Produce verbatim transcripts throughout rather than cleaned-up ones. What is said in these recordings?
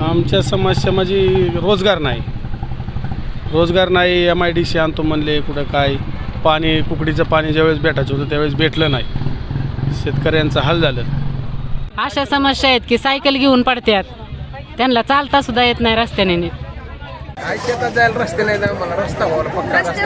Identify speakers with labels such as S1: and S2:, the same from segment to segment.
S1: आमच्या समस्या म्हणजे रोजगार नाही रोजगार नाही एम आय डी सी आणतो म्हणले कुठं काय पाणी कुकडीचं पाणी ज्यावेळेस भेटायचं होतं त्यावेळेस भेटलं नाही शेतकऱ्यांचं हाल झालं.
S2: अशा समस्या आहेत की सायकल घेऊन पडतात त्यांना चालता सुद्धा येत नाही रस्त्याने नीट.
S3: काय शेतात जायला रस्ते नाही ना मला रस्ता व्हावा पक्का रस्ता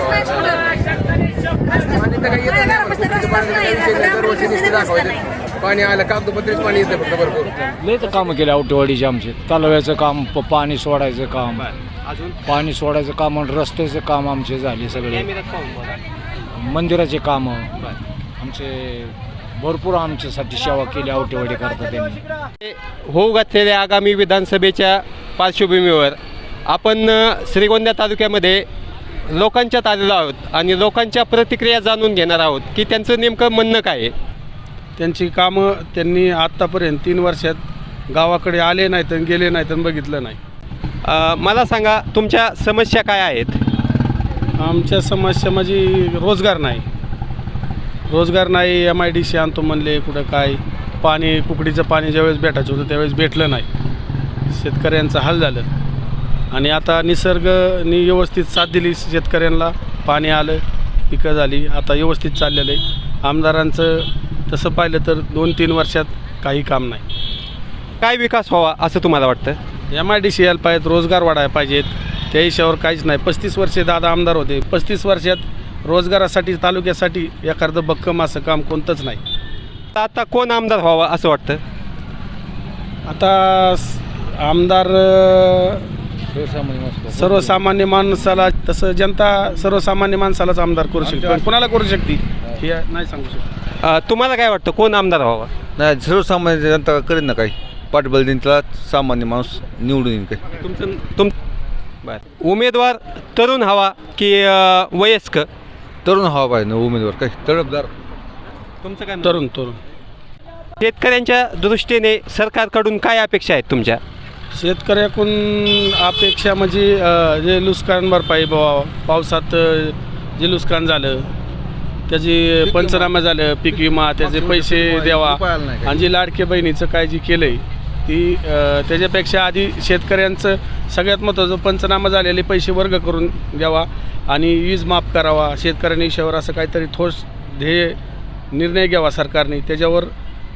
S3: व्हावा पाणी आलं कागदोपत्रीच पाणी येतं फक्त भरपूर.
S4: लयच कामं केले आवटेवाडीचे आमचे तलाव्याचं काम प- पाणी सोडायचं काम पाणी सोडायचं काम आणि रस्त्याचं काम आमचे झाले सगळे मंदिराचे कामं आमचे भरपूर आमच्यासाठी सेवा केली आवटेवाडी करता त्यांनी.
S5: होऊ घातलेल्या आगामी विधानसभेच्या पार्श्वभूमीवर आपण श्रीगोंदा तालुक्यामध्ये लोकांच्यात आलेलो आहोत आणि लोकांच्या प्रतिक्रिया जाणून घेणार आहोत की त्यांचं नेमकं म्हणणं काय आहे.
S1: त्यांची कामं त्यांनी आत्तापर्यंत तीन वर्षात गावाकडे आले नाहीत आणि गेले नाहीत आणि बघितलं नाही.
S5: अ, मला सांगा तुमच्या समस्या काय आहेत.
S1: आमच्या समस्या म्हणजे रोजगार नाही रोजगार नाही एम आय डी सी आणतो म्हणले कुठं काय पाणी कुकडीचं पाणी ज्यावेळेस भेटायचं होतं त्यावेळेस भेटलं नाही शेतकऱ्यांचं हाल झालं. आणि आता निसर्गनी व्यवस्थित साथ दिली शेतकऱ्यांना पाणी आलं पिकं झाली आता व्यवस्थित चाललेलं आहे. आमदारांचं तसं पाहिलं तर दोन तीन वर्षात काही काम नाही.
S5: काय विकास व्हावा असं तुम्हाला वाटतं.
S1: एम आय डी सी यायला पाहिजेत रोजगार वाढायला पाहिजेत त्या हिशावर काहीच नाही. पस्तीस वर्षे दादा आमदार होते पस्तीस वर्षात रोजगारासाठी तालुक्यासाठी एखादं भक्कम असं काम कोणतंच नाही.
S5: आता कोण आमदार व्हावा असं वाटतं.
S1: आता स- आमदार सर्वसामान्य माणसाला तसं जनता सर्वसामान्य माणसालाच आमदार करू शकते पण कुणाला करू शकते हे नाही सांगू शकतो.
S5: अ, तुम्हाला काय वाटतं कोण आमदार व्हावा.
S6: नाही सर्वसामान्य जनता करेन ना काही पाठबळ देईन त्याला सामान्य माणूस निवडून येईन काही.
S5: तुमचं तुम बरं उमेदवार तरुण हवा की अ, वयस्क.
S6: तरुण हवा पाहिजे ना उमेदवार काही तडफदार.
S5: तुमचं काय
S1: तरुण तरुण
S5: शेतकऱ्यांच्या दृष्टीने सरकारकडून काय अपेक्षा आहेत तुमच्या.
S1: शेतकऱ्याकडून अपेक्षा म्हणजे अ, जे नुकसान भरपाई बाबा पावसात अ, जे नुकसान झालं त्याची पंचनामा झालं पीक विमा त्याचे पैसे द्यावा आणि जी लाडके बहिणीचं काय जी केलं आहे ती अ, त्याच्यापेक्षा आधी शेतकऱ्यांचं सगळ्यात महत्त्वाचं पंचनामा झालेले पैसे वर्ग करून द्यावा आणि वीज माफ करावा. शेतकऱ्यांनी विषयावर असं काहीतरी ठोस ध्येय निर्णय घ्यावा सरकारने त्याच्यावर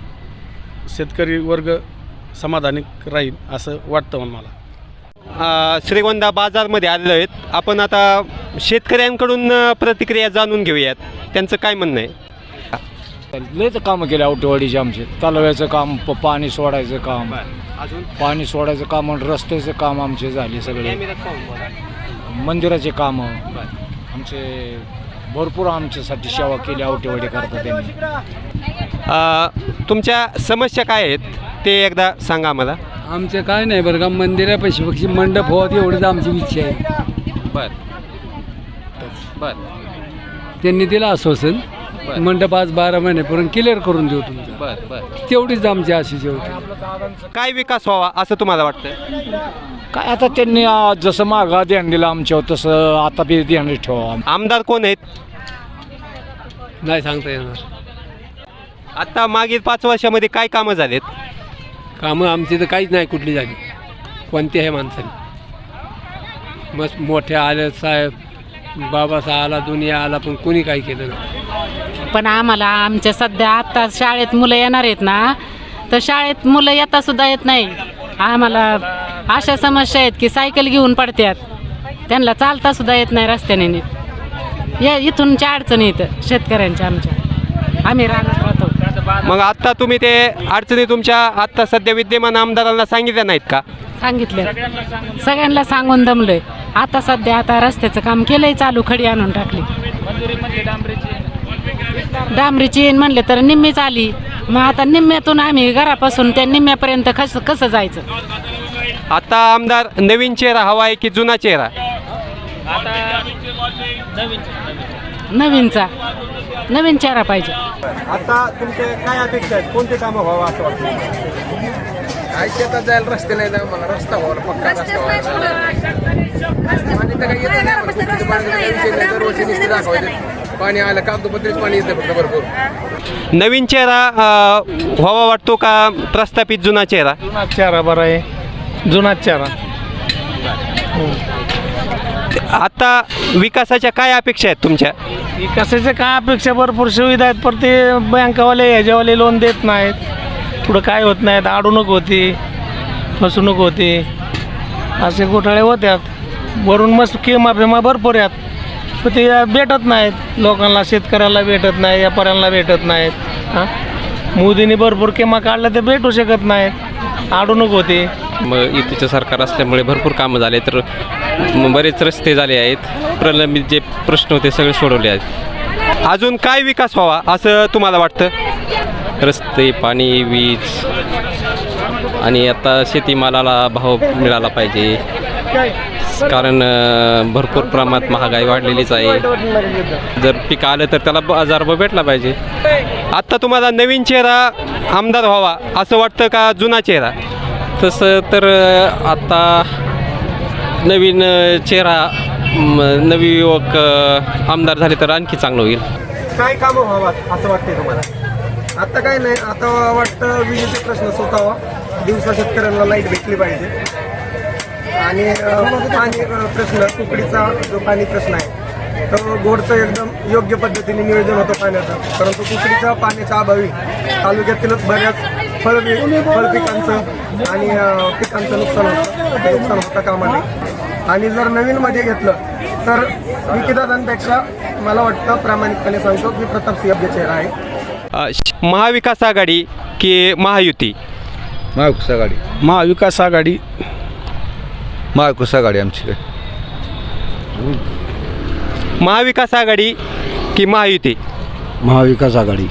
S1: शेतकरी वर्ग समाधानी राहील असं वाटतं मला.
S5: अ, श्रीगोंदा बाजारमध्ये आलेलो आहेत आपण आता शेतकऱ्यांकडून अ, प्रतिक्रिया जाणून घेऊयात त्यांचं काय म्हणणं आहे.
S4: लयच कामं केले आवटेवाडीचे आमचे तलाव्याचं काम प- पाणी सोडायचं काम
S5: अजून
S4: पाणी सोडायचं काम आणि रस्त्याचं काम आमचे झाले सगळे मंदिराचे कामं आमचे भरपूर आमच्यासाठी सेवा केली आवटेवाडी करता त्यांनी.
S5: अ, तुमच्या समस्या काय आहेत ते एकदा सांगा आम्हाला.
S7: आमचं काय नाही बरं का मंदिरापाशी पक्षी मंडप व्हावं एवढीच आमची इच्छा आहे.
S5: बर बर
S7: त्यांनी दिलं आश्वासन मंडप आज बारा महिन्यापर्यंत क्लिअर करून देऊ तुमचं
S5: बर बर
S7: तेवढीच आमची आशीष होती.
S5: काय विकास व्हावा असं तुम्हाला वाटतं.
S4: काय आता त्यांनी आ, जसं मागा ध्यान दिलं आमच्यावर तसं आता बी ध्यान ठेवा.
S5: आमदार कोण आहेत.
S7: नाही सांगता येणार.
S5: आता मागील पाच वर्षामध्ये काय कामं झालेत.
S7: कामं आमची तर काहीच नाही कुठली झाली कोणत्याही माणसाने. मस्त मोठ्या आल्या साहेब बाबासा आला दुनिया आला पण कोणी काही केलं नाही.
S2: पण आम्हाला आमच्या सध्या आत्ता शाळेत मुलं येणार आहेत ना तर शाळेत मुलं येता सुद्धा येत नाही. आम्हाला अशा समस्या आहेत की सायकल घेऊन पडतात त्यांना चालता सुद्धा येत नाही रस्त्याने नीट. या इथूनच्या अडचणी इथं शेतकऱ्यांच्या आमच्या आम्ही राहणार राहतो.
S5: मग आत्ता तुम्ही ते अडचणी तुमच्या आत्ता सध्या विद्यमान आमदारांना सांगितल्या नाहीत का.
S2: सांगितलं सगळ्यांना सांगून दमलोय. आता सध्या आता रस्त्याचं काम केलंय चालू खडी आणून टाकली डांबरीची येईन म्हणले तर निम्मीच आली. मग आता निम्म्यातून आम्ही घरापासून त्या निम्म्यापर्यंत कसं कसं जायचं.
S5: आता आमदार नवीन चेहरा हवा आहे की जुना चेहरा.
S2: नवीनचा नवीन चेहरा पाहिजे.
S5: आता तुमचे काय अपेक्षा आहेत कोणते कामं व्हावं असं वाटतं.
S3: काय शेतात जायला रस्ते नाही ना मला रस्ता व्हावा पक्का रस्ता व्हावा पाणी तर काही येतं नाही कुकडीचं पाणी विषय नाही दरवर्षी नुसते दाखवायचे पाणी आलं कागदोपत्रीच पाणी येतं फक्त भरपूर.
S5: नवीन चेहरा अ, व्हावा वाटतो का प्रस्थापित जुना चेहरा.
S1: चेहरा बरा आहे
S8: जुनाच चेहरा.
S5: आता विकासाच्या काय अपेक्षा आहेत तुमच्या?
S8: विकासाच्या काय अपेक्षा, भरपूर सुविधा आहेत, पण ते बँकावाले ह्याच्यावाले लोन देत नाहीत, पुढं काय होत नाहीत, अडवणूक होती, फसवणूक होती, असे घोटाळे होत्यात. वरून मस्त किमा फिमा भरपूर आहेत, पण ते भेटत नाहीत लोकांना, शेतकऱ्याला भेटत नाही, व्यापाऱ्यांना भेटत नाहीत. हां, मोदींनी भरपूर किमा काढल्या ते भेटू शकत नाहीत, अडवणूक होती.
S5: मग युतीचं सरकार असल्यामुळे भरपूर कामं झाले, तर म- बरेच रस्ते झाले आहेत, प्रलंबित जे प्रश्न होते सगळे सोडवले आहेत. अजून काय विकास व्हावा असं तुम्हाला वाटतं? रस्ते, पाणी, वीज आणि आता शेतीमालाला भाव मिळाला पाहिजे, कारण अं, भरपूर प्रमाणात महागाई वाढलेलीच आहे. जर पीक आलं तर त्याला बाजारभाव भेटला पाहिजे. आत्ता तुम्हाला नवीन चेहरा आमदार व्हावा असं वाटतं का जुना चेहरा? तसं तर अं, आता नवीन अं, चेहरा म, नवी युवक अं, आमदार झाले तर आणखी चांगलं होईल.
S3: काय कामं व्हावा असं वाटतंय तुम्हाला? आता काय नाही, आता वाटतं विजेचे प्रश्न सुटावा, दिवसा शेतकऱ्यांना लाईट भेटली पाहिजे, आणि अ, पाणी अ, प्रश्न, कुकडीचा जो पाणी प्रश्न आहे तो गोडचं एकदम योग्य पद्धतीने नियोजन होतं पाण्याचं, परंतु कुकडीच्या पाण्याच्या अभावी तालुक्यातीलच बऱ्याच फळ फळ पिकांचं आणि अ, पिकांचं नुकसान होतं, ते नुकसान होतं कामा नये. आणि जर नवीनमध्ये घेतलं तर विकीदादांपेक्षा मला वाटतं, प्रामाणिकपणे सांगतो की प्रतापसिंह योग्य चेहरा आहे.
S5: अं, श- महाविकास आघाडी की महायुती?
S6: महाविकास आघाडी.
S1: महाविकास आघाडी.
S6: महाविकास आघाडी आमची काय.
S5: महाविकास आघाडी की महायुती?
S4: महाविकास आघाडी.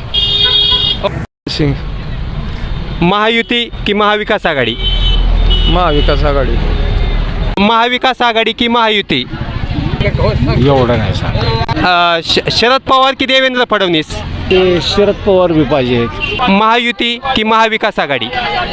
S5: महायुती की महाविकास आघाडी?
S1: महाविकास आघाडी.
S5: महाविकास आघाडी की महायुती?
S4: एवढं नाही सांग.
S5: अं, श- शरद पवार की देवेंद्र फडणवीस?
S4: ते शरद पवार बी पाहिजेत.
S5: महायुती की महाविकास आघाडी?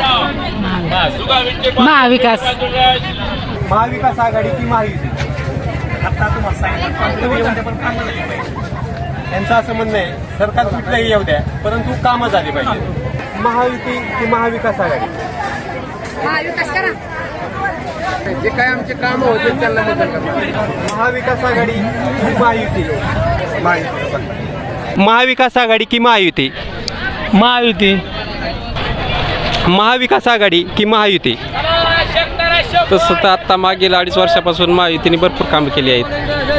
S2: महाविकास.
S3: महाविकास आघाडी की महायुती? आता तुम्हाला सांगितलं, त्यांचं असं म्हणणं आहे सरकार कुठलंही येऊ द्या, परंतु कामं झाली पाहिजे. महायुती की महाविकास आघाडी? जे काय आमचे कामं होते त्यांना मदत करणार. महाविकास आघाडी की महायुती? महायुती.
S5: महाविकास आघाडी की महायुती?
S8: महायुती.
S5: महाविकास आघाडी की महायुती?
S7: तसं तर आत्ता मागील अडीच वर्षापासून महायुतीने भरपूर कामं केली आहेत.